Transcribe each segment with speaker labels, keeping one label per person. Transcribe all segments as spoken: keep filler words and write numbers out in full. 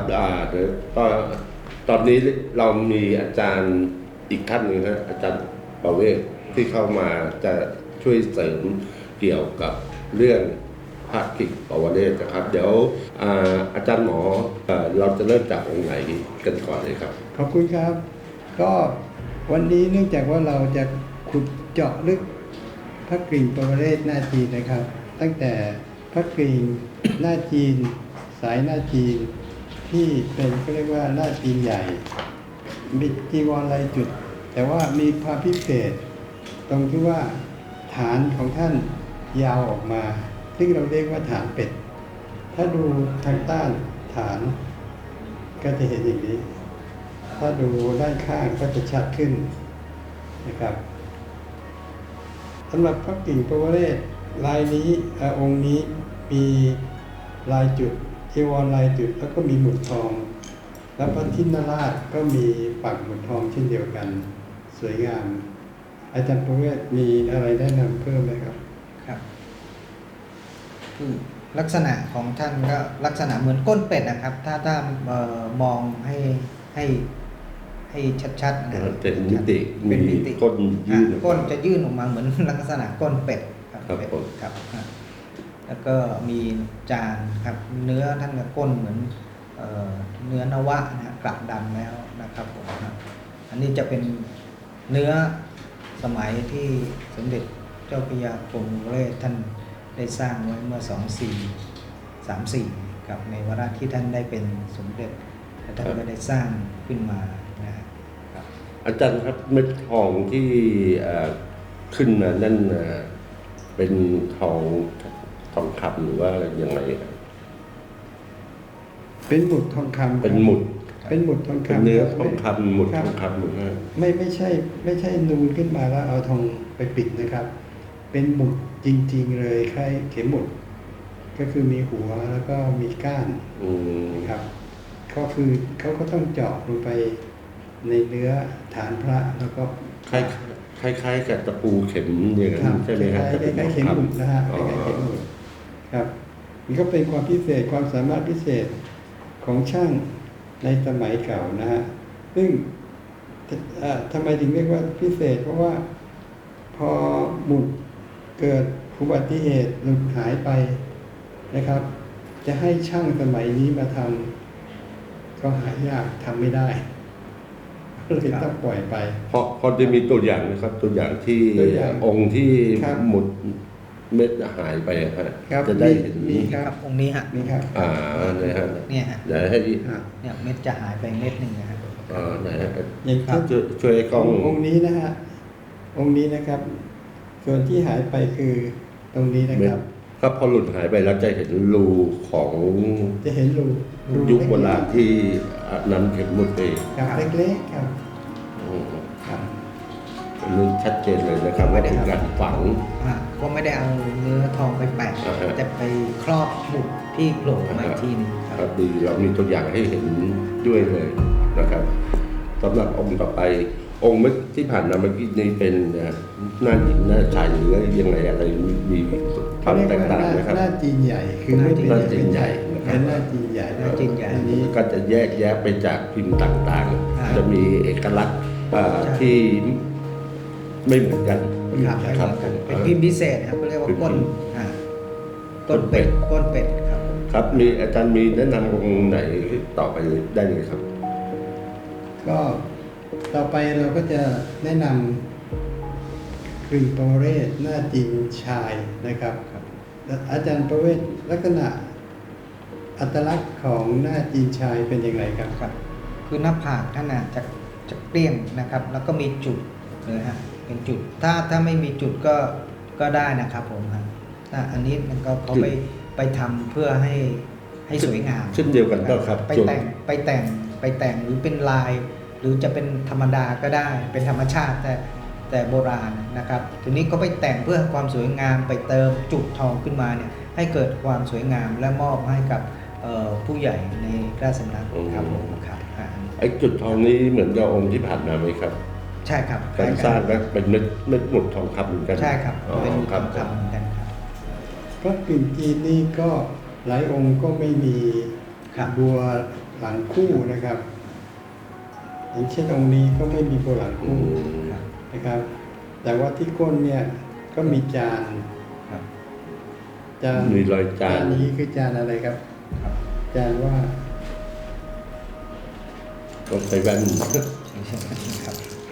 Speaker 1: อ่าเดี๋ยวตอนตอนนี้เรามีอาจารย์อีกท่านหนึ่งนะอาจารย์ประเวศที่เข้ามาจะช่วยเสริมเกี่ยวกับเรื่องพระกิกปวเรศนะครับเดี๋ยวอาอาจารย์หมอเอ่อเราจะเริ่มจากองค์ไหนกันก่อนเลยครับ
Speaker 2: ขอบคุณครับก็วันนี้เนื่องจากว่าเราจะขุดเจาะลึกพระกริ่งปวเรศหน้าจีนนะครับตั้งแต่พระกริ่งหน้าจีนสายหน้าจีนที่เป็นก็เรียกว่าหน้าจีนใหญ่มีจีวรลายจุดแต่ว่ามีความพิเศษตรงที่ว่าฐานของท่านยาวออกมาซึ่งเราเรียกว่าฐานเป็ดถ้าดูทางใต้ฐานก็จะเห็นอย่างนี้ถ้าดูด้านข้างก็จะชัดขึ้นนะครับสำหรับพระกิ่งปวเรศลายนี้องค์นี้มีลายจุดจีวรลายจุดแล้วก็มีหมุดทองแล้วพระทินราชก็มีปักหมุดทองเช่นเดียวกันสวยงามอาจารย์ปวเรศมีอะไรแนะนำเพิ่มไหมครับ
Speaker 3: ครับคือลักษณะของท่านก็ลักษณะเหมือนก้นเป็ดนะครับถ้าถ้ามมองให้ให้ให้ชัดๆนะ
Speaker 1: เป็นมิติ
Speaker 3: เป็นมิติ
Speaker 1: ก้นยื่น
Speaker 3: ก้นจะยื่นออกมาเหมือนลักษณะก้นเป็ดครับ
Speaker 1: เป็ด
Speaker 3: ครับแล้วก็มีจานครับเนื้อท่านกับก้นเหมือนเนื้อนวะนะกลับดำแล้วนะครับผมอันนี้จะเป็นเนื้อสมัยที่สมเด็จเจ้าพระยากรมปวเรศท่านได้สร้างไว้เมื่อสองพันสี่ร้อยสามสิบสี่กับในวาระที่ท่านได้เป็นสมเด็จและท่านก็ได้สร้างขึ้นมานะครับ
Speaker 1: อาจารย์ครับเม็ดทองที่ขึ้นมานั่นเป็นทองทองคำหรือว่ายังไงครับ
Speaker 2: เป็นหมุดทองคำ
Speaker 1: เป็นหมุด
Speaker 2: เป็นหมุดทองคำ
Speaker 1: เป็นเนื้อทองคำหมุดทองคำหมุด
Speaker 2: ไม่ไม่ใช่ไม่ใช่นูนขึ้นมาแล้วเอาทองไปปิดนะครับเป็นหมุดจริงๆเลยคล้ายเข็มหมุดก็คือมีหัวแล้วก็มีก้านนะครับก็คือเขาก็ต้องเจาะลงไปในเนื้อฐานพระแล้วก็
Speaker 1: คล้ายคล้ายๆกับตะปูเข็มอย่างนั้นใช่ไหมครับ
Speaker 2: คล้ายๆเข็มหมุดนะฮะคล้ายๆเข็มหมุดครับมันก็เป็นความพิเศษความสามารถพิเศษของช่างในสมัยเก่านะฮะซึ่งทำไมถึงเรียกว่าพิเศษเพราะว่าพอหมุดเกิดอุบัติเหตุหลุดหายไปนะครับจะให้ช่างสมัยนี้มาทำก็หายากทำไม่ได้เลยต้องปล่อยไป
Speaker 1: เพราะพอจะมีตัวอย่างนะครับตัวอย่างที่องค์ที่หมุดเม็ดหายไปครับจะได้เห็น
Speaker 2: นี่ครับ
Speaker 3: องค์นี้ฮะ
Speaker 2: นี่ครับ
Speaker 1: อ่าเนี่ยฮะ
Speaker 3: เนี่ยฮะ
Speaker 1: เดี๋ยวให้
Speaker 3: เนี่ยเม็ดจะหายไปเม็ดหนึ่งนะครับ
Speaker 1: อ่าไหนฮะ
Speaker 2: ยังครับ
Speaker 1: ช่วยกล้อง
Speaker 2: องค์นี้นะฮะองค์นี้นะครับส่วนที่หายไปคือตรงนี้นะครับ
Speaker 1: ครับพอหลุดหายไปแล้วจะเห็นรูของ
Speaker 2: จะเห็นรู
Speaker 1: ยุคโบราณที่นำเข็มหมุดไป
Speaker 2: ครับเล็กๆครับ
Speaker 1: ครับรู้ชัดเจนเลยนะครับว่าเป็นการฝัง
Speaker 3: ก็ไม่ได้เอาเนื้อทองไปแปะแต่ไปครอบหมุดที่โผล่มาทีนึง
Speaker 1: ครับดีเรามีตัวอย่างให้เห็นด้วยเลยนะครับสำหรับองค์ต่อไปองค์เมื่อที่ผ่านมาเมื่อกี้นี้เป็นหน้าหญิงหน้าชายหรือยังไงอะไรมีความแตกต่างนะครับ
Speaker 2: หน้าจีนใหญ่คือ
Speaker 1: หน้าจีนใหญ่
Speaker 2: เป็นหน้าจีนใหญ่
Speaker 3: หน้าจีนใหญ่
Speaker 1: อันนี้ก็จะแยกแยะไปจากพิมพ์ต่างๆจะมีเอกลักษณ์ที่ไม่เหมือนกัน
Speaker 3: ครับเป็นพิมพ์พิเศษครับเขาเรียกว่าก้นก้นเป็ดก้นเป็ดครับ
Speaker 1: ครับมีอาจารย์มีแนะนำองค์ไหนต่อไปได้เลยครับ
Speaker 2: ก็ต่อไปเราก็จะแนะนำกริ่งปวเรศหน้าจีนชายนะครับอาจารย์ประเวศลักษณะอัตลักษณ์ของหน้าจีนชายเป็นอย่างไรครับ
Speaker 3: ครับคือหน้าผากท่านจะจะเปรี้ยงนะครับแล้วก็มีจุดเลยฮะเป็นจุดถ้าถ้าไม่มีจุดก็ก็ได้นะครับผมครับอันนี้มันก็เขาไปไปทำเพื่อให้ให้สวยงาม
Speaker 1: เช่นเดียวกันก็ครับ
Speaker 3: ไปแต่งไปแต่งไปแต่งหรือเป็นลายหรือจะเป็นธรรมดาก็ได้เป็นธรรมชาติแต่แต่โบราณนะครับทีนี้เขาไปแต่งเพื่อความสวยงามไปเติมจุดทองขึ้นมาเนี่ยให้เกิดความสวยงามและมอบให้กับผู้ใหญ่ในราชสำนักครับผมครับ
Speaker 1: ไอ้จุดทองนี้เหมือนกับองค์ที่ผ่านมาไหมครับ
Speaker 3: ใช่ครับ
Speaker 1: การสร้างก็เป็นเม็ดเม็ดหมุดทองคำเหมือนกัน
Speaker 3: ใช่ครับเป็นหมุดทองคำเหมือนกันครับ
Speaker 2: พระกริ่งจีนนี่ก็หลายองค์ก็ไม่มีบัวหลังคู่นะครับอย่างเช่นองค์นี้ก็ไม่มีโบหลัง
Speaker 1: อื
Speaker 2: คู่
Speaker 1: ม
Speaker 2: นะครับ แต่ว่าที่ก้นเนี่ยก็มีจาน
Speaker 3: ครับ
Speaker 2: จาน
Speaker 1: มีรอยจาน
Speaker 2: นี้คือจานอะไรครับ
Speaker 3: ครับ
Speaker 2: จานว่า
Speaker 1: ต้องใส่แว่น
Speaker 3: ครับ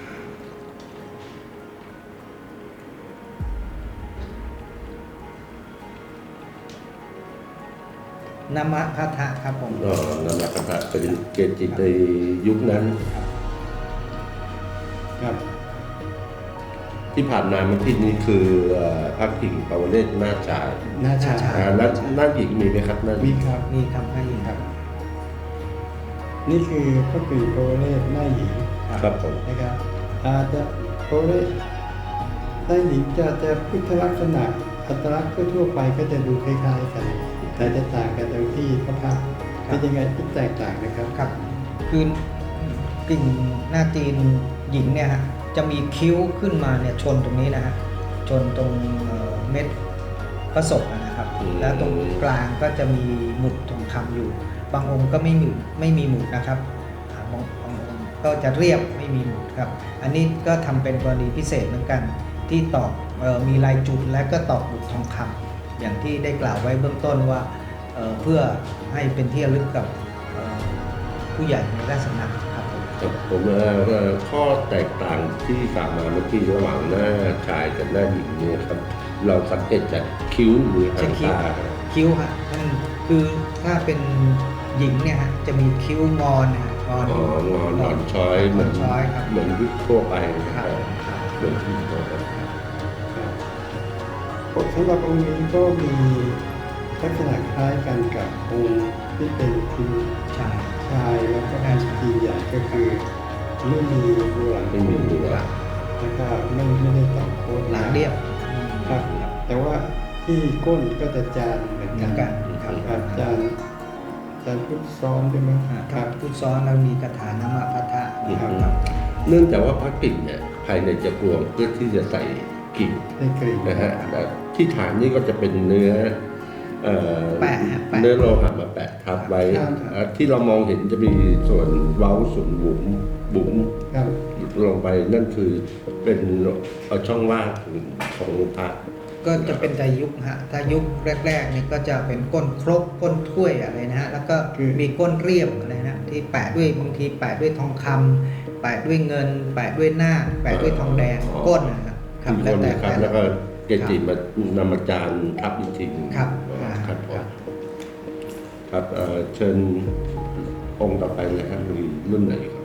Speaker 3: นามะพัทธะครับผม
Speaker 1: อ๋อนั่นแหละครับเป็นเกจิในยุคนั้น
Speaker 2: ครับ
Speaker 1: ที่ผ่านมาเมื่อกี้นี้คือเอ่อพระกิ่งปวเรศหน้าชาย
Speaker 2: หน้าชา
Speaker 3: หน้าชา
Speaker 1: อ่าหน้าหน้าหญิงมีไหมครับหน้าห
Speaker 2: มี
Speaker 1: ญิง
Speaker 2: ครับ
Speaker 3: มีคำให้ยิงครับ
Speaker 2: นี่คือพระกรีโปรเลสหน้าหญิง
Speaker 1: ครับผม
Speaker 2: นะครับอาจจะโปรเลสหน้าหญิงจะจะพุทธลักษณะอัตลักษณ์ทั่วๆไปก็จะดูคล้ายๆกัน แต่จะต่างกันตรงที่พระพักตร์
Speaker 3: ครับ
Speaker 2: เป็นยังไงที่แตกต่างนะครับ
Speaker 3: ครับคือกลิ่งหน้าจีนหญิงเนี่ยฮะจะมีคิ้วขึ้นมาเนี่ยชนตรงนี้นะฮะชนตรงเอ่อเม็ดพระศพอะนะครับ
Speaker 1: อืม
Speaker 3: แล้วตรงกลางก็จะมีหมุดทองคำอยู่ บางองค์ก็ไม่มีไม่มีหมุดนะครับอ่าบางบางองค์ก็จะเรียบไม่มีหมุดครับ อันนี้ก็ทำเป็นกรณีพิเศษเหมือนกัน ที่ตอกเออมีลายจุดและก็ตอกหมุดทองคำอย่างที่ได้กล่าวไว้เบื้องต้นว่าเอ่อเพื่อให้เป็นที่ระลึกกับเอ่อผู้ใหญ่ในราชสำนักครับผม
Speaker 1: ครับผมเอ่อเอ่อข้อแตกต่างที่กล่าวมาเมื่อกี้ระหว่างหน้าชายกับหน้าหญิงเนี่ยครับ เราสังเกตจากคิ้วหรือหางตา
Speaker 3: คิ้วฮะนั่นคือถ้าเป็นหญิงเนี่ยฮะจะมีคิ้วงอนนะฮะงอน
Speaker 1: อ๋องอนหนอนช้อยเหมือน
Speaker 3: ช้อยครับ
Speaker 1: เหมือนยุคทั่วไปนะ
Speaker 3: ค
Speaker 1: ค
Speaker 3: รั
Speaker 1: รั
Speaker 3: บบ ครับ
Speaker 1: เหมือนที่ทั่วไป
Speaker 2: ครับสำหรับองค์นี้ก็มีลักษณะคล้ายกันกับองค์ที่เป็นคุณ
Speaker 3: ใช่
Speaker 2: ชายแล้วก็เป็นจีนใหญ่ก็คือไม่มีโบหลัง
Speaker 1: ไม่มีหัว
Speaker 2: แล้วก็ไม่ไม่ได้ต่อโค้ด
Speaker 3: หลังเรียบ
Speaker 2: ครับ แต่ว่าที่ก้นก็จะจานเหมือน
Speaker 3: เหมื
Speaker 2: กั
Speaker 3: อน นกันครับ
Speaker 2: ครับจานจานพุทธซ้อนด้วยมั้ง
Speaker 3: อ่า
Speaker 2: ค
Speaker 3: ครั
Speaker 2: รั
Speaker 3: บบ พุทธซ้อนแล้วมีคาถานามะพัทธะ
Speaker 1: อืม
Speaker 3: ครับ
Speaker 1: เนื่องจากว่าพระกิ่งเนี่ยภายในจะกลวงเพื่อที่จะใส่กิ่ง
Speaker 2: ได้กลิ่น
Speaker 1: นะฮะแต่ที่ฐานนี่ก็จะเป็นเนื้อเอ่อ
Speaker 3: แปะฮะแปะ
Speaker 1: เนื้อโลหะมาแปะทับไว้อ่าที่เรามองเห็นจะมีส่วนเว้าส่วนบุ๋มบุ๋ม
Speaker 2: ครับ
Speaker 1: ลงไปนั่นคือเป็นเอาช่องว่างของพระ
Speaker 3: ก็จะเป็นแต่ยุคฮะถ้ายุคแรกๆเนี่ยก็จะเป็นก้นครกก้นถ้วยอะไรนะฮะแล้วก็มีก้นเรียบอะไรนะที่แปะด้วยบางทีแปะด้วยทองคำแปะด้วยเงิน แปะด้วยหน้าคแปะด้วยทองแดงก้นนะฮะครับ
Speaker 1: ที่
Speaker 3: แล้ว
Speaker 1: น
Speaker 3: แต่
Speaker 1: นะครับ
Speaker 3: แต่
Speaker 1: แล้วก็
Speaker 3: ละ
Speaker 1: เกจิมานำอาจารย์ทับอีกทีหนึ่ง
Speaker 3: ครับ
Speaker 1: ครับผ
Speaker 3: ครั
Speaker 1: ม
Speaker 3: บ
Speaker 1: ครับเอ่อเชิญองค์ต่อไปเลยครับมีรุ่นไหนครับ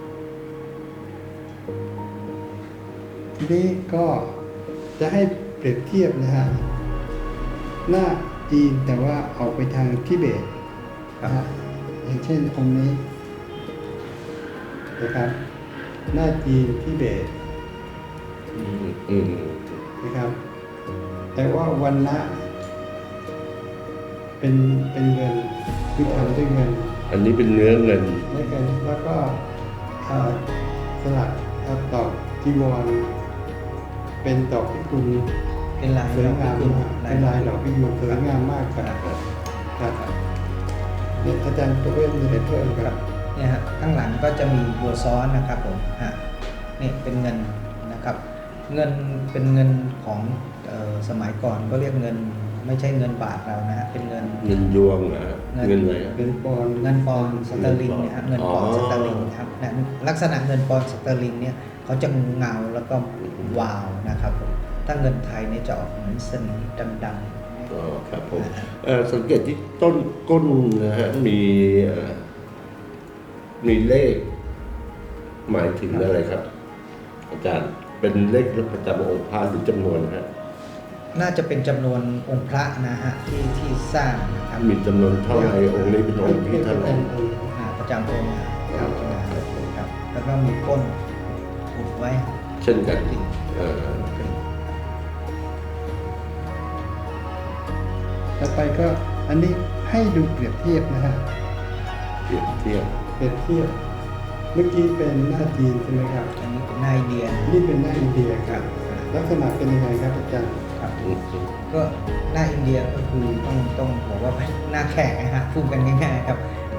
Speaker 2: ทีนี้ก็จะให้เปรียบเทียบนะฮะหน้าจีนแต่ว่าออกไปทางทิเบตนะฮะอย่างเช่นองค์นี้นะครับ หน้าจีนทิเบต
Speaker 1: อืมอืม
Speaker 2: นะครับ แต่ว่าวันละเป็นเป็นเงินคือทำด้วยเงิน
Speaker 1: อันนี้เป็นเนื้อเงิน
Speaker 2: ด้วยกันแล้วก็เอ่อสลักเอ่อตอกจีวร เป็นดอกพิกุล
Speaker 3: เป็นลาย
Speaker 2: สวยงาม
Speaker 3: คุณ
Speaker 2: มากเป็นลายดอกพิกุลสวยงามมากครับครับเนี่ยอาจารย์ตัวเวทมีอะไรเพิ่มครับ
Speaker 3: เนี่ยฮะข้างหลังก็จะมีบัวซ้อนนะครับผมฮะนี่เป็นเงินนะครับ เงินเป็นเงินของเอ่อสมัยก่อนก็เรียกเงินไม่ใช่เงินบาทเรานะฮะเป็นเงิน
Speaker 1: เงินยวงนะ
Speaker 3: เงิน
Speaker 1: เงินอะไร
Speaker 2: เป็นปอนด์
Speaker 3: เงินปอนด์สเตอร์ลิงเนะฮะเงินปอนด์
Speaker 1: อ๋อ
Speaker 3: สเตอร์ลิงครับนะลักษณะเงินปอนด์สเตอร์ลิงเนี่ยเขาจะเงาแล้วก็วาวนะครับผมถ้าเงินไทยเนี่ยจะออกเหมือนสนิมดำ
Speaker 1: อ๋อครับผมเอ่อสังเกตที่ต้นก้นนะฮะมีเอ่อมีเลข หมายถึงอะไรครับ อาจารย์เป็นเลขประจำองค์พระหรือจำนวนฮะ
Speaker 3: ๆน่าจะเป็นจำนวนองค์พระนะฮะที่ที่สร้างนะครับ
Speaker 1: มีจำนวนเท่าไหร่องค์นี้เป็นองค์ที่เท่าไหร่
Speaker 3: อ่าประจำองค์นะครับครับแล้วก็มีก้นอุดไว้
Speaker 1: เช่นกันเอ่อ
Speaker 2: ต่อไปก็อันนี้ให้ดูเปรียบเทียบนะฮะ
Speaker 1: เปรียบเทียบ
Speaker 2: เปรียบเทียบ เมื่อกี้เป็นหน้าจีนใช่ไหมครับ
Speaker 3: อันนี้เป็นหน้าอินเดีย
Speaker 2: นี่เป็นหน้าอินเดียครับ ลักษณะเป็นยังไงครับอาจารย์
Speaker 3: ครับ
Speaker 1: อืม
Speaker 3: ก็หน้าอินเดียก็คือต้องต้องบอกว่าหน้าแขกนะฮะพูดกันง่ายๆครับอ่า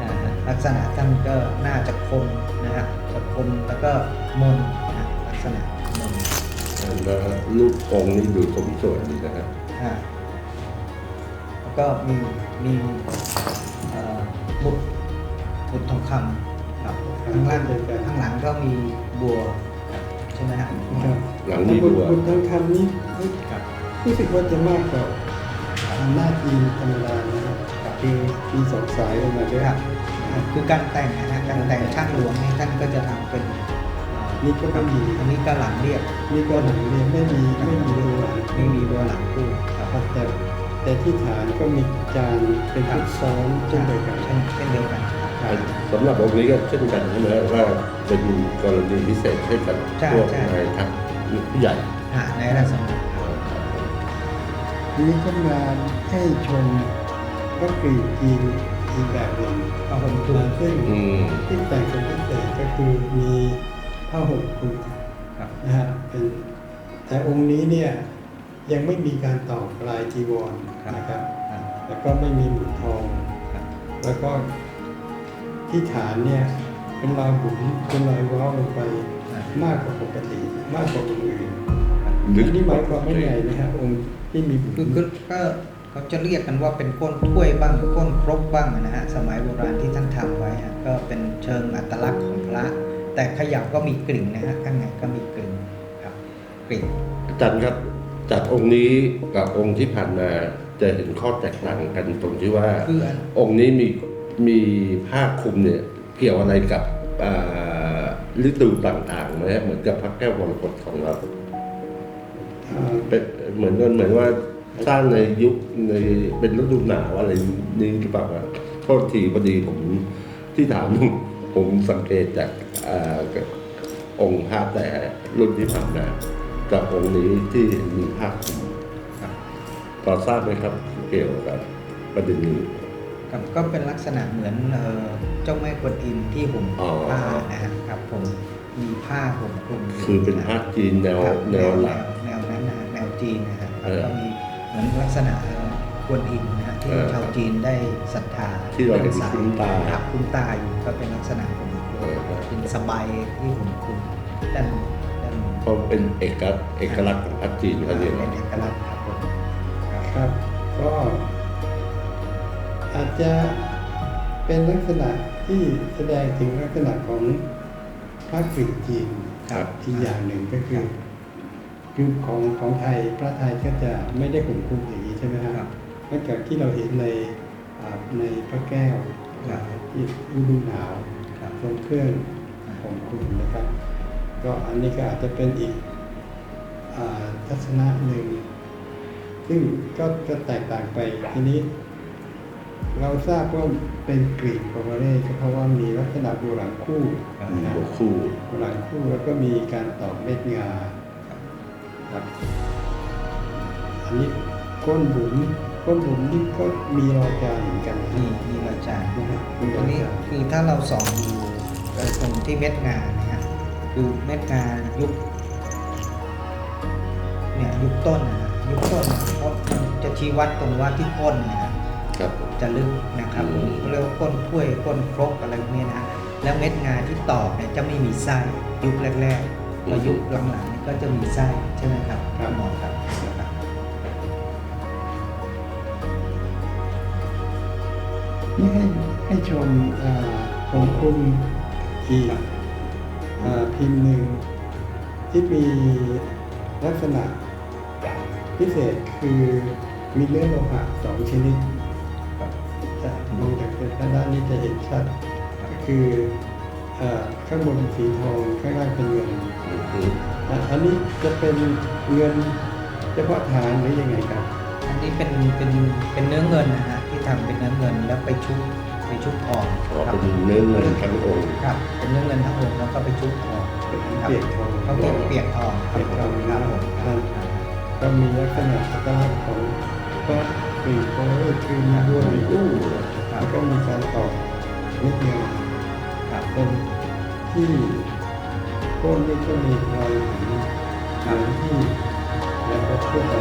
Speaker 3: ลักษณะท่านก็น่าจะคมนะฮะจะคมแล้วก็มนนะลักษณะมน
Speaker 1: แล้วรูปองค์นี้ดูสมส่วนดีนะครับ
Speaker 3: อ่าแล้วก็มีมีเอ่อบุตรบุตรทองคำครับข้างล่างข้างหลังก็มีบัวครับใช่ไหมฮะ
Speaker 2: ครับ
Speaker 1: หลังมีบัว
Speaker 2: บุตรทองคำนี้
Speaker 3: ครับ
Speaker 2: รู้สึกว่าจะมากกว่าหน้าจีนธรรมดานะครับคือมีสองสายลงมาด้วย
Speaker 3: ครับคือการแต่งนะฮะการแต่งช่างหลวงนี่ท่านก็จะทำเป็นเอ่อ
Speaker 2: นี่ก็ไม่มี
Speaker 3: อันนี้ก็หลังเรียบ
Speaker 2: นี่ก็หนังเรียนไม่มีไม่มีตัวหลัง
Speaker 3: ไม่มีบัวหลังคู่ครับ
Speaker 2: ครับแต่แต่ที่ฐานก็มีจานเป็นพุทธซ้อนเช่นเดียวกัน
Speaker 3: เช่นเช่นเดียวกันครับ
Speaker 1: สำหรับองค์นี้ก็เช่นกันใช่ไหมว่าเป็นกรณีพิเศษให้กับ
Speaker 3: ใช่
Speaker 1: พวก
Speaker 3: ใช่
Speaker 1: นายทัพผู้ใหญ่
Speaker 3: อ่าในราชสำนักครับ
Speaker 2: ทีนี้ก็มาให้ชมก็กรีกจีนอีกแบบหนึ่ง
Speaker 3: ผ้าห่มคลุม
Speaker 2: ซึ่ง
Speaker 1: อืม
Speaker 2: ที่แต่งเป็นพิเศษก็คือมีผ้าห่มคลุม
Speaker 3: ครับ
Speaker 2: นะฮะเป็นแต่องค์นี้เนี่ยยังไม่มีการตอกลายจีวรนะครับ
Speaker 3: ครับ
Speaker 2: แล้วก็ไม่มีหมุนทอง
Speaker 3: ครับ
Speaker 2: แล้วก็ที่ฐานเนี่ยเป็นรอยบุ๋มเป็นรอยเว้าวลงไปมากกว่าปกติมากกว่าองค์อื่นอันนี้หมายความว่าไงนะครับองค์ที่มีบุ๋ม
Speaker 3: คือคือก็เขาจะเรียกกันว่าเป็นก้นถ้วยบ้างก้นครกบ้างนะฮะสมัยโบราณที่ท่านทำไว้ฮะก็เป็นเชิงอัตลักษณ์ของพระ แต่เขยับก็มีกลิ่นนะฮะข้างในก็มีกลิ่นครับกลิ่น
Speaker 1: อาจารย์ครับจากองค์นี้กับองค์ที่ผ่านมาจะเห็นข้อแตกต่างกันตรงที่ว่า
Speaker 3: คืออัน
Speaker 1: องค์นี้มีมีผ้าคลุมเนี่ยเกี่ยวอะไรกับอ่าฤดูต่างๆไหมฮะเหมือนกับพระแก้วมรกตของเรา
Speaker 2: อ่า
Speaker 1: เป็นเหมือนกันเหมือนว่าสร้างในยุคในเป็นฤดูหนาวอะไรนี้หรือเปล่าครับโทษทีพอดีผมที่ถาม ผมสังเกตจากอ่าองค์ภาพแต่รุ่นที่ผ่านมากับองค์นี้ที่มีภาพคลุม
Speaker 3: ครับ
Speaker 1: พอทราบไหมครับเกี่ยวกับประเด็นนี้
Speaker 3: ครับก็เป็นลักษณะเหมือนเอ่อเจ้าแม่กวนอิมที่ห่ม
Speaker 1: อ๋อ
Speaker 3: ผ้านะฮะครับผมมีผ้าห่มคลุมยู่
Speaker 1: คือเป็นภาพจีนแนว
Speaker 3: ครับ
Speaker 1: แนวหลัก
Speaker 3: แนวนั้นนะฮะแนวจีนนะฮะ
Speaker 1: เออ
Speaker 3: แล้วก็มีเหมือนลักษณะเอ่อกวนอิมนะฮะที่
Speaker 1: เออ
Speaker 3: ชาวจีนได้ศรัทธา
Speaker 1: ที่เราเห็น
Speaker 3: สาย
Speaker 1: คุ้นตา
Speaker 3: ครับคุ้นตาอยู่ก็เป็นลักษณะห่มคลุม
Speaker 1: เออครับ
Speaker 3: เป็นสบายที่ห่มคลุมด้านด้าน
Speaker 1: เพราะเป็นเอกลักษณ์เอกลักษณ์ของภาพจีนเขาเรียก
Speaker 3: เป็นเอกลักษณ์ครับผมครับ
Speaker 2: ครับก็อาจจะเป็นลักษณะที่แสดงถึงลักษณะของพระกรีกจีน
Speaker 1: ครับ
Speaker 2: อีกอย่างหนึ่งก็คือคือของของไทยพระไทยก็จะไม่ได้ห่มคลุมอย่างนี้ใช่ไหมค
Speaker 3: ครั
Speaker 2: รับบ นอกจากที่เราเห็นในอ่าในพระแก้ว
Speaker 3: ครับ
Speaker 2: ที่ฤดูหนาว
Speaker 3: ครับ
Speaker 2: ทรงเครื่องห่มคลุมนะครับ ก็อันนี้ก็อาจจะเป็นอีกอ่าทัศนะหนึ่ง ซึ่งก็จะแตกต่างไปทีนี้ เราทราบว่าเป็นกรีกโปรเรสก็เพราะว่ามีลักษณะโบราณคู่
Speaker 3: ครับ
Speaker 1: มี
Speaker 2: นะ
Speaker 1: หัวคู่
Speaker 2: โบราณคู่แล้วก็มีการตอกเม็ดงาครับ อันนี้ก้นบุ๋มก้นบุ๋มนี่ก็มีรอยจานเหมือนกันนะ
Speaker 3: มีมีรอยจาน
Speaker 2: ฮะมีร
Speaker 3: ตั
Speaker 2: อ
Speaker 3: วย นี้
Speaker 2: จาน
Speaker 3: คือถ้าเราส่องดูเอ่อตรงที่เม็ดงานนะฮะคือเม็ดงานยุคเนี่ยยุคต้นนะฮะยุคต้นเนี่ยเพราะมันจะชี้วัดตรงว่าที่ก้นนะฮะ
Speaker 1: ครับ
Speaker 3: จะลึกนะครับ
Speaker 1: อืม
Speaker 3: เขาเรียกว่าก้นถ้วยก้นครกอะไรพวกนี้นะฮะแล้วเม็ดงานที่ตอกเนี่ยจะไม่มีไส้ยุคแรกๆพอยุคหลังๆนี่ก็จะมีไส้ใช่ไหมครับครับหมอครับครับ
Speaker 2: นี่ให้ให้ชมอ่าผมคลุมอีกอ่าพิมพ์หนึ่งที่มีลักษณะพิเศษคือมีเนื้อโลหะสองชนิดจะมองจากด้านนี้จะเห็นชัดก็คืออ่าข้างบนเป็นสีทองข้างล่างเป็นเงิน
Speaker 1: อืม
Speaker 2: อ่ะอันนี้จะเป็นเงินเฉพาะฐานหรือยังไงครับ
Speaker 3: อันนี้เป็นเป็นเป็นเนื้อเงินนะฮะที่ทำเป็นเนื้อเงินแล้วไปชุบไปชุบทอง
Speaker 1: อ๋อ
Speaker 3: ครับ
Speaker 1: เป็นเนื้อเงินทั้งองค์
Speaker 3: ครับเป็นเนื้อเงินทั้งองค์แล้วก็ไปชุบทอง
Speaker 2: เป็น
Speaker 3: ครับ
Speaker 2: เปียกทอง
Speaker 3: เขาเรียกเปียกทองครับ
Speaker 2: เปียกทอง
Speaker 3: ครับผม
Speaker 2: ครับ ก็มีลักษณะอัตลักษณ์ของพระกรีกโปรเรสคือมีบัวมีตู้แล้วก็มีการตอกเม็ดงา
Speaker 3: ครับ
Speaker 2: เป็นที่ก้นนี่ก็มีรอยหินเหมือนที่แล้วก็ทั่วไป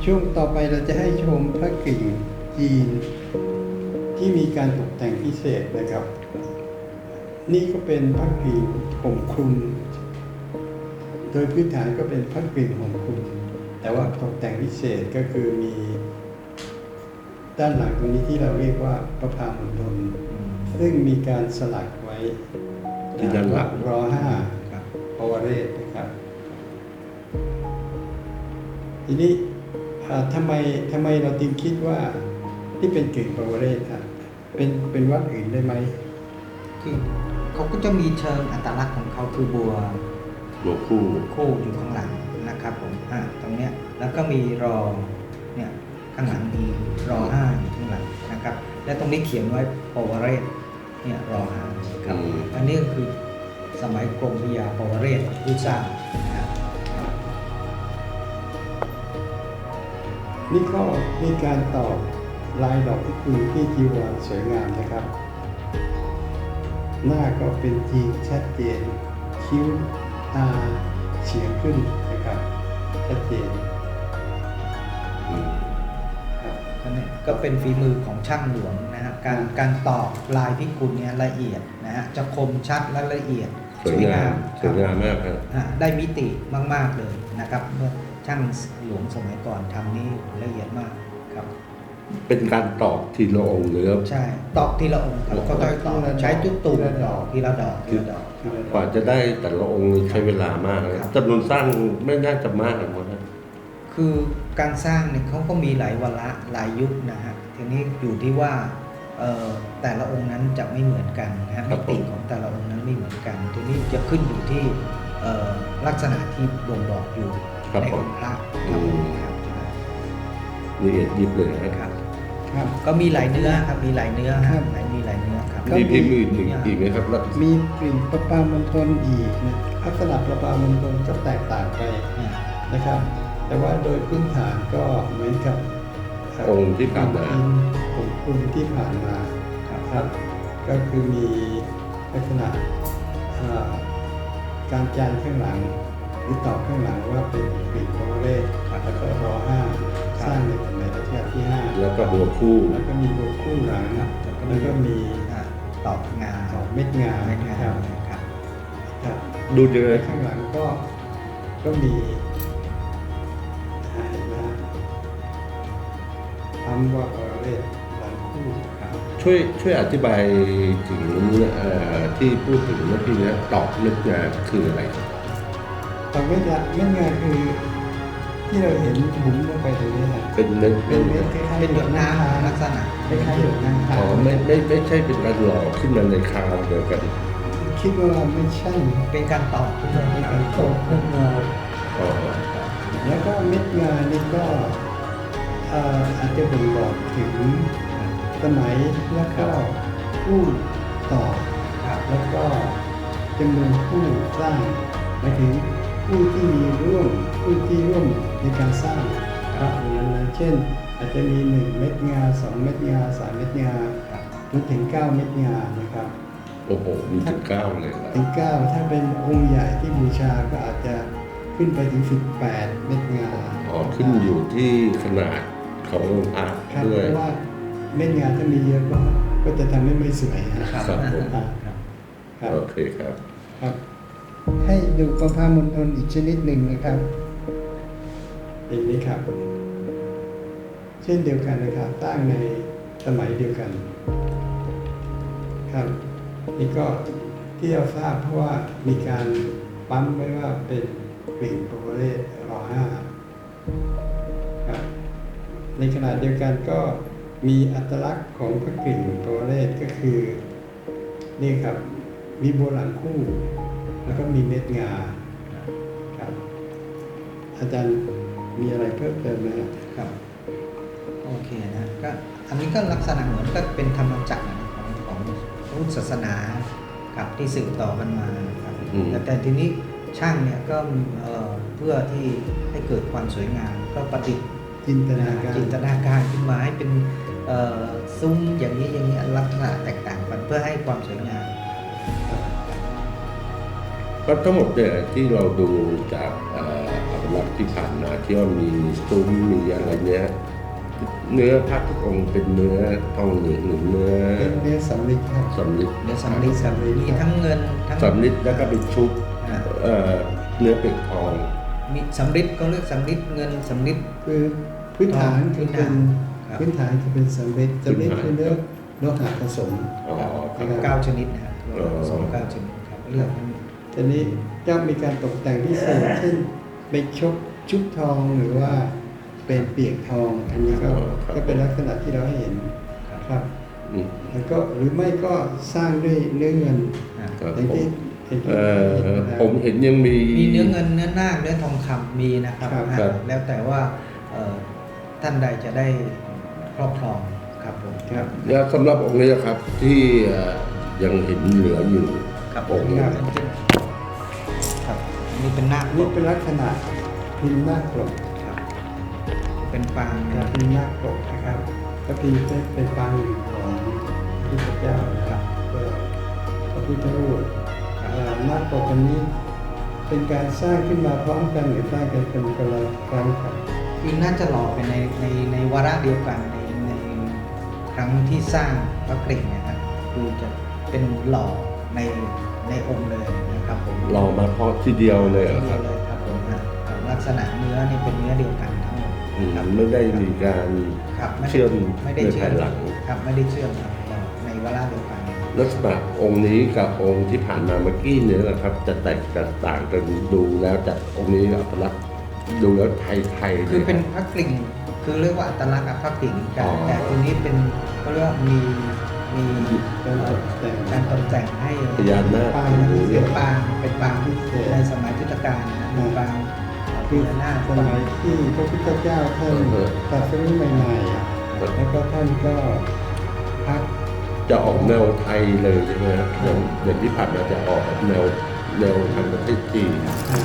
Speaker 2: ช่วงต่อไปเราจะให้ชมพระกริ่งจีนที่มีการตกแต่งพิเศษนะครับ นี่ก็เป็นพระกริ่งห่มคลุม โดยพื้นฐานก็เป็นพระกริ่งห่มคลุม แต่ว่าตกแต่งพิเศษก็คือมีด้านหลังตรงนี้ที่เราเรียกว่าประภามณฑลซึ่งมีการสลักไว้
Speaker 1: ที่ด้านหลัง
Speaker 2: รอห้า
Speaker 3: ครับ
Speaker 2: ปวเรศนะครับ ทีนี้อ่าทำไมทำไมเราจึงคิดว่าที่เป็นกริ่งปวเรศครับเป็นเป็นวัดอื่นได้ไหม
Speaker 3: คือเขาก็จะมีเชิงอัตลักษณ์ของเขาคือบัว
Speaker 1: หัวคู่
Speaker 3: คู่อยู่ข้างหลังนะครับผมอ่าตรงเนี้ยแล้วก็มีรอเนี่ยข้างหลังมีรอห้าอยู่ข้างหลังนะครับ และตรงนี้เขียนไว้ปวเรศเนี่ยรอห้าครับ
Speaker 1: อืม
Speaker 3: อันนี้ก็คือสมัยกรมพระยาปวเรศผู้สร้างนะครับ
Speaker 2: นี่ก็มีการตอบลายดอกพิกุลที่จีวรสวยงามนะครับ หน้าก็เป็นจริงชัดเจน คิ้วตาเฉียงขึ้นนะครับ ชัดเจน
Speaker 1: อืม
Speaker 2: ครับ
Speaker 3: ก็เนี่ยก็เป็นฝีมือของช่างหลวงนะฮะการการตอกลายพิกุลเนี่ยละเอียดนะฮะจะคมชัดและละเอียด
Speaker 1: สวยงามส
Speaker 3: ครั
Speaker 1: ว
Speaker 3: บ
Speaker 1: ยงามมากครับ
Speaker 3: อ่ะได้มิติมากๆเลยนะครับเมื่อช่างหลวงสมัยก่อนทำนี่ละเอียดมากครับ
Speaker 1: เป็นการตอกทีละองค์หรือ
Speaker 3: ใช่ตอกทีละองค์ครับก็ต้องตอกใช้จุดตูดตอกทีละดอกทีละดอก
Speaker 1: กว่าจะได้แต่ละองค์ใช้เวลามากนะครับ จำนวนสร้างไม่น่าจะมากหรอกนะ
Speaker 3: คือการสร้างเนี่ยเขาก็มีหลายวาระหลายยุคนะฮะทีนี้อยู่ที่ว่าเอ่อแต่ละองค์นั้นจะไม่เหมือนกันนะฮะมิติของแต่ละองค์นั้นไม่เหมือนกัน ทีนี้จะขึ้นอยู่ที่เอ่อลักษณะที่บ่งบอกอยู่
Speaker 1: ครับ
Speaker 3: ใน
Speaker 1: ผ
Speaker 3: อ
Speaker 1: ม
Speaker 3: งค์พระ
Speaker 1: อืม
Speaker 3: ครับ
Speaker 1: ละเอียดยิบเลยนะ
Speaker 3: ค
Speaker 1: ค
Speaker 3: รั
Speaker 1: รับบ
Speaker 2: ครับ
Speaker 3: ก็มีหลายเนื้อครับมีหลายเนื้อ
Speaker 2: ครับ
Speaker 3: หลายมีหลายเนื้อครับ
Speaker 2: ก็
Speaker 1: มีพิมพ์อื่นอีกอีกไหมครับแล้ว
Speaker 2: มีกลิ่นประปามณฑลอีกนะลักษณะประปามณฑลก็แตกต่างไป
Speaker 3: อ่า
Speaker 2: นะครับ แต่ว่าโดยพื้นฐานก็เหมือนกับ
Speaker 1: องค์ที่ผ่านมา
Speaker 2: องค์คุณที่ผ่านมา
Speaker 3: ครับ
Speaker 2: ครับ ก็คือมีลักษณะอ่าการจานข้างหลัง หรือตอบข้างหลังว่าเป็นกลิ่นปวเรศแล้วก็รอห้าสร้างในสมัยรัชกาลที่ห้า
Speaker 1: แล้วก็หัวคู่
Speaker 2: แล้วก็มีโลคู่หลัง
Speaker 3: ครับ
Speaker 2: แล้วก็มี
Speaker 3: อ่าตอกงา
Speaker 2: ดอกเม็ดงา
Speaker 3: เม็ดงา
Speaker 2: ครับ
Speaker 3: ครับ
Speaker 2: ครับ
Speaker 1: ดูเยอะ
Speaker 2: ข้างหลังก็ก็มีอะไรนะคำว่าปวเรศหลังคู่ครับ
Speaker 1: ช่วยช่วยอธิบายถึงเอ่อที่พูดถึงเมื่อกี้เนี้ยตอกเม็ดงาคืออะไรครับ
Speaker 2: ดอกเม็ดงาเม็ดงาคือ ที่เราเห็นบุ๋มลงไปตรงนี้นะ
Speaker 1: เป็นเม็ด
Speaker 2: เป็นเม็ดคล้ายๆ
Speaker 3: เป็นหยดน้ำลักษณะ
Speaker 2: คล้ายๆหยดน้ำ
Speaker 1: อ๋อไม่ไม่ไม่ใช่เป็นการหล่อขึ้นมาในคราวเดียวกัน
Speaker 2: คิดว่าไม่ใช่
Speaker 3: เป็นการตอกขึ้นมา
Speaker 2: เป็น
Speaker 3: ค
Speaker 2: การ
Speaker 3: รับ
Speaker 2: ตกเม็ดงา
Speaker 1: อ๋อ
Speaker 2: แล้วก็เม็ดงานี่ก็เอ่ออาจจะบ่งบอกถึงสมัยแล้วก็ผู้ต่อ
Speaker 3: ครับ
Speaker 2: แล้วก็จำนวนผู้สร้างหมายถึงผู้ที่มีร่วมผู้ที่ร่วมในการสร้างพระองค์นั้นๆเช่น อาจจะมีหนึ่งเม็ดงาสองเม็ดงาสามเม็ดงา
Speaker 3: ครับ
Speaker 2: จนถึงเก้าเม็ดงานะครับ
Speaker 1: โอ้โหมีถึงเก้าเลยนะ
Speaker 2: ถึงเก้าถ้าเป็นองค์ใหญ่ที่บูชาก็อาจจะขึ้นไปถึงสิบแปดเม็ดงา
Speaker 1: อ๋อขึ้นอยู่ที่ขนาดขององค์พระ
Speaker 2: ครับ
Speaker 1: ด้
Speaker 2: เพ
Speaker 1: วย
Speaker 2: ราะว่าเม็ดงาถ้ามีเยอะก็ก็จะทำให้ไม่สวยนะ
Speaker 3: ครับ
Speaker 1: ครับผม
Speaker 2: ครับ
Speaker 3: ครับ
Speaker 2: ครับ
Speaker 1: โอเคครับ
Speaker 2: ครับ ให้ดูประภามณฑลอีกชนิดหนึ่งนะครับอย่างนี้ครับ เช่นเดียวกันนะครับตั้งในสมัยเดียวกัน ครับ นี่ก็ที่เราทราบเพราะว่ามีการปั๊มไว้ว่าเป็นกลิ่นปวเรศรอห้าครับ ในขณะเดียวกันก็มีอัตลักษณ์ของพระกลิ่นปวเรศก็คือนี่ครับมีโบราณคู่ แล้วก็มีเม็ดงาครับ อาจารย์มีอะไรเพิ่มเติมไหมครับ
Speaker 3: ครับโอเคนะก็อันนี้ก็ลักษณะเหมือนก็เป็นธรรมจักรนะของของพุทธศาสนาครับที่สืบต่อกันมาครับ
Speaker 1: อืม
Speaker 3: แต่แต่ทีนี้ช่างเนี่ยก็เอ่อเพื่อที่ให้เกิดความสวยงามก็ประดิษฐ์
Speaker 2: จินตนาการ
Speaker 3: จินตนาการขึ้นมาให้เป็นเอ่อซุ้มอย่างนี้อย่างนี้ลักษณะแตกต่างกันเพื่อให้ความสวยงาม
Speaker 1: ก็ทั้งหมดเนี่ยที่เราดูจากเอ่ออัตลักษณ์ที่ผ่านมาที่ว่ามีซุ้มมีอะไรเนี้ยเนื้อพระทุกองค์เป็นเนื้อทองเหลืองหรือเนื้อ
Speaker 2: เป็นเนื้อสำลิดครับ
Speaker 1: สำลิด
Speaker 3: เนื้อสำลิดครับมีทั้งเงินทั้ง
Speaker 1: สำลิดแล้วก็เป็นชุบ
Speaker 3: อ่า
Speaker 1: เอ่อเนื้อเป็ดทอง
Speaker 3: มีสำลิดก็เรียกสำลิดเงินสำลิด
Speaker 2: คือพื้นฐานคือเป็น
Speaker 3: ครับ
Speaker 2: พื้นฐานคือเป็นสำลิดสำลิดคือเนื้อโลหะผสม
Speaker 1: อ๋อค
Speaker 3: ครั
Speaker 1: รั
Speaker 3: บบ เก้าชนิดนะครับ
Speaker 1: อ๋อ
Speaker 3: สองเก้าชนิดครับเลือกมัน
Speaker 2: ทีนี้ย่อมมีการตกแต่งพิเศษเช่นเป็นชกชุบทองหรือว่าเป็นเปียกทองอันนี้ก็ก็เป็นลักษณะที่เราให้เห็นครับ
Speaker 1: อืม
Speaker 2: แล้วก็หรือไม่ก็สร้างด้วยเนื้อเงิน
Speaker 3: อ่า
Speaker 1: ครับ
Speaker 2: อย่าง
Speaker 1: ผม
Speaker 2: ที่เห็นที่
Speaker 1: เอ่อ
Speaker 2: นะครับ
Speaker 1: ผมเห็นยังมี
Speaker 3: มีเนื้อเงินเนื้อนาคเนื้อทองคำมีนะครับ
Speaker 2: ครับ
Speaker 3: อ่า
Speaker 1: ครับ
Speaker 3: แล้วแต่ว่าเอ่อท่านใดจะได้ครอบครองครับผม
Speaker 2: ครับ
Speaker 1: แล้วสำหรับองค์นี้ครับที่เอ่อยังเห็นเหลืออยู่
Speaker 3: ครับ
Speaker 1: องค์นี้
Speaker 3: ครับครับนี่เป็นนาคป
Speaker 2: นี่
Speaker 3: ก
Speaker 2: เป็นลักษณะพิมพ์หน้าปก
Speaker 3: ครับเป็นปาง
Speaker 2: ค
Speaker 3: นะ
Speaker 2: รับพิมพ์หน้าปกนะครับก็พิมพ์เป็นปางหนึ่งของพระพุทธเจ้านะครับก็พระพุทธรูปเอ่อหน้าปกอันนี้เป็นการสร้างขึ้นมาพร้อมกันหรือสร้างกันเป็นคนละครั้งครับ
Speaker 3: คือน่าจะหล่อเป็นในในในวาระเดียวกันในในครั้งที่สร้างพระกริ่งเนะครับคือจะเป็นหล่อในในองค์เลยนะครับผม
Speaker 1: รอมาเพราะทีเดียวเลยเหรอ
Speaker 3: ที
Speaker 1: ค
Speaker 3: เดี
Speaker 1: รั
Speaker 3: ยว
Speaker 1: บ
Speaker 3: เลยครับผมนะลักษณะเนื้อนี่เป็นเนื้อเดียวกันทั้งหมด
Speaker 1: อืม
Speaker 3: ครับ
Speaker 1: ไม่ได้มีการ
Speaker 3: ครับไได้
Speaker 1: เชื่อม
Speaker 3: ไม่ได้
Speaker 1: ใน
Speaker 3: เชื่อ
Speaker 1: ภาม ยหลัง
Speaker 3: ครับไม่ได้เชื่อมครับหล่อในวาระเดียวกัน
Speaker 1: ลักษณะองค์นี้กับองค์ที่ผ่านมาเมื่อกี้เนี่ยนะครับ จะแตกต่างกันดูแล้วจากองค์นี้อัตลักษณ์ดูแล้วไทยๆ
Speaker 3: คือเป็น
Speaker 1: ลย
Speaker 3: พระกริ่งคือเรียกว่าอัตลักษณ์กับพระกริ่งกั
Speaker 1: อ๋
Speaker 3: น
Speaker 1: อ
Speaker 3: แต่ตัวนี้เป็นเขาเรียกว่ามีมี
Speaker 2: การตกแต่ง
Speaker 3: การตกแต่งให้
Speaker 1: พญานาค
Speaker 2: ปาง
Speaker 1: หรือ
Speaker 3: เป็นปางเป็นปาง
Speaker 2: พิเศษ
Speaker 3: ในสมัยพุทธกาลนะมีปางพ
Speaker 2: คือ
Speaker 3: ญานาค
Speaker 2: สมัยที่พระพุทธเจ้าท่านตรัสรู้ใหม่ๆแล้วก็ท่านก็พัก
Speaker 1: จะออกแนวไทยเลยใช่ไหมครับอย่างอย่างที่ผ่านมาจะออกแบบแนวแนวทางประเทศจีน
Speaker 2: อ่า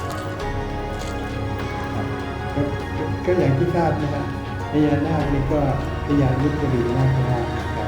Speaker 2: ก็ก็อย่างที่ทราบนะครับพญานาคนี่ก็พญายุทธลีนาคราชนะครับ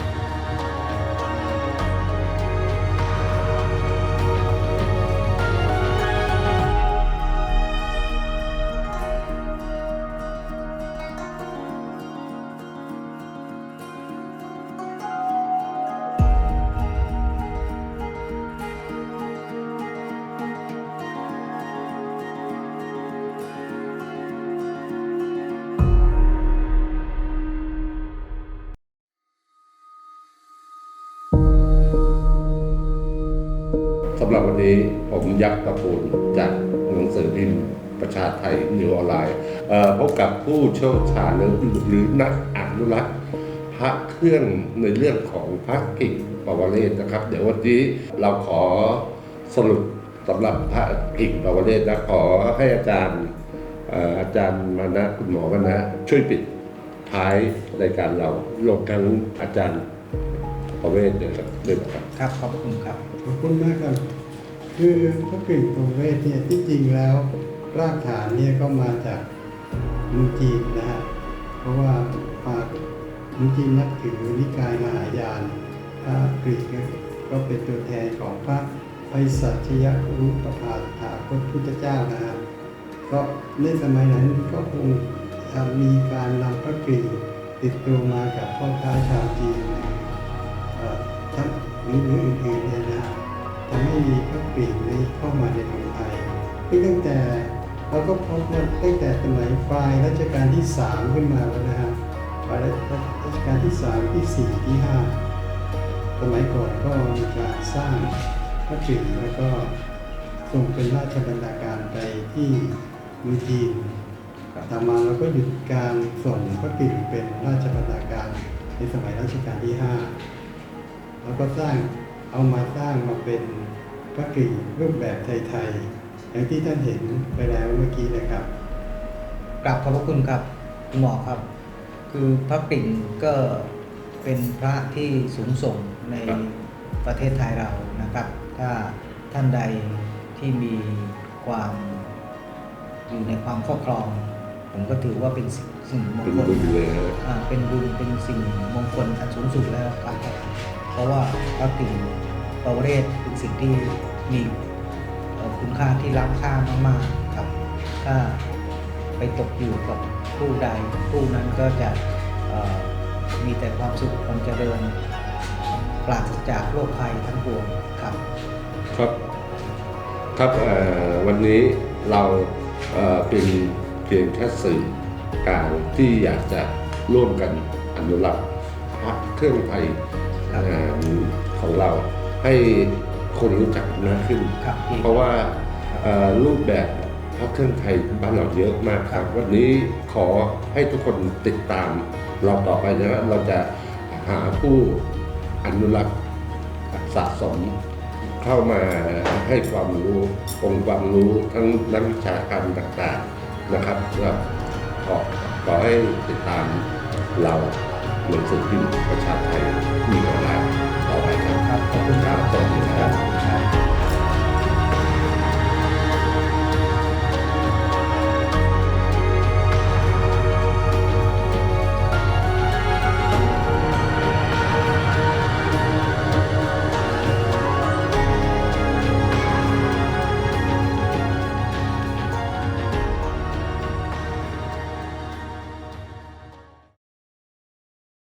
Speaker 1: สำหรับวันนี้ผมยักษ์ตะปูนจากหนังสือพิมพ์ประชาไทยนิวออนไลน์เอ่อพบกับผู้เชี่ยวชาญหรือหรือนักอนุรักษ์พระเครื่องในเรื่องของพระกิ่งปวเรศนะครับ เดี๋ยววันนี้เราขอสรุปสำหรับพระกิ่งปวเรศนะขอให้อาจารย์เอ่ออาจารย์มานะคุณหมอมานะช่วยปิดท้ายรายการเราลงทั้งอาจารย์ปวเรศเลยครับด้วยนะครับ
Speaker 3: ครับขอบคุณครับ
Speaker 2: ขอบคุณมากครับ คือพระกริ่งประเวทเนี่ยที่จริงแล้วรากฐานเนี่ยก็มาจากเมืองจีนนะฮะ เพราะว่าปากเมืองจีนนับถือนิกายมหายานพระกริ่งก็เป็นตัวแทนของพระไพศาลยรูปพาถาคตพุทธเจ้านะฮะ ก็ในสมัยนั้นก็คงมีการนำพระกริ่งติดตัวมากับพ่อค้าชาวจีนเอ่อทั้งหรืออื่นๆเนี่ยนะฮะทำให้มีพระกริ่งนี้เข้ามาในเมืองไทยซึ่งตั้งแต่เราก็พบว่าตั้งแต่สมัยปลายรัชกาลที่สามขึ้นมาแล้วนะฮะปลายรัชกาลที่สามที่สี่ที่ห้าสมัยก่อนก็มีการสร้างพระกริ่งแล้วก็ส่งเป็นราชบรรณาการไปที่เมืองจีนต่อมาเราก็หยุดการส่งพระกริ่งเป็นราชบรรณาการในสมัยรัชกาลที่ห้าแล้วก็สร้างเอามาสร้างมาเป็นพระกริ่งรูปแบบไทยๆอย่างที่ท่านเห็นไปแล้วเมื่อกี้นะครับ
Speaker 3: กราบขอบพระคุณครับคุณหมอครับ คือพระกริ่งก็เป็นพระที่สูงส่งใน
Speaker 1: ครับ
Speaker 3: ประเทศไทยเรานะครับ ถ้าท่านใดที่มีความอยู่ในความครอบครอง ผมก็ถือว่าเป็นสิ่งสิ่งมง
Speaker 1: เป็น
Speaker 3: คล
Speaker 1: บุญเลยฮะ
Speaker 3: อ่าเป็นบุญเป็นสิ่งมงคลอันสูงสุดแล้วครับเพราะว่าพระกริ่งปวเรศเป็นสิ่งที่มีอคุณค่าที่ล้ำค่ามากๆครับถ้าไปตกอยู่กับผู้ใดผู้นั้นก็จะเอ่อมีแต่ความสุขความเจริญปราศจากโรคภัยทั้งปวงครับ
Speaker 1: ครับครับเอ่อวันนี้เราเอ่อเป็นเพียงแค่สื่อกลางที่อยากจะร่วมกันอนุรักษ์พระเครื่องไทย
Speaker 3: ครับ
Speaker 1: เอ่อของเราให้คนรู้จักมากขึ้น
Speaker 3: ครับพี่
Speaker 1: เพราะว่าเอ่อรูปแบบพระเครื่องไทยบ้านเราเยอะมากครับ วันนี้ขอให้ทุกคนติดตามเราต่อไปนะครับเราจะหาผู้อนุรักษ์สะสม เข้ามาให้ความรู้องค์ความรู้ทั้งนักวิชาการต่างๆนะครับก็ขอขอให้ติดตามเราหนังสือพิมพ์ประชาไทยมีออนไลน์ต่อไปครับ
Speaker 3: ครับขอบคุณครับ
Speaker 1: สวัสดีครับ
Speaker 3: ครับ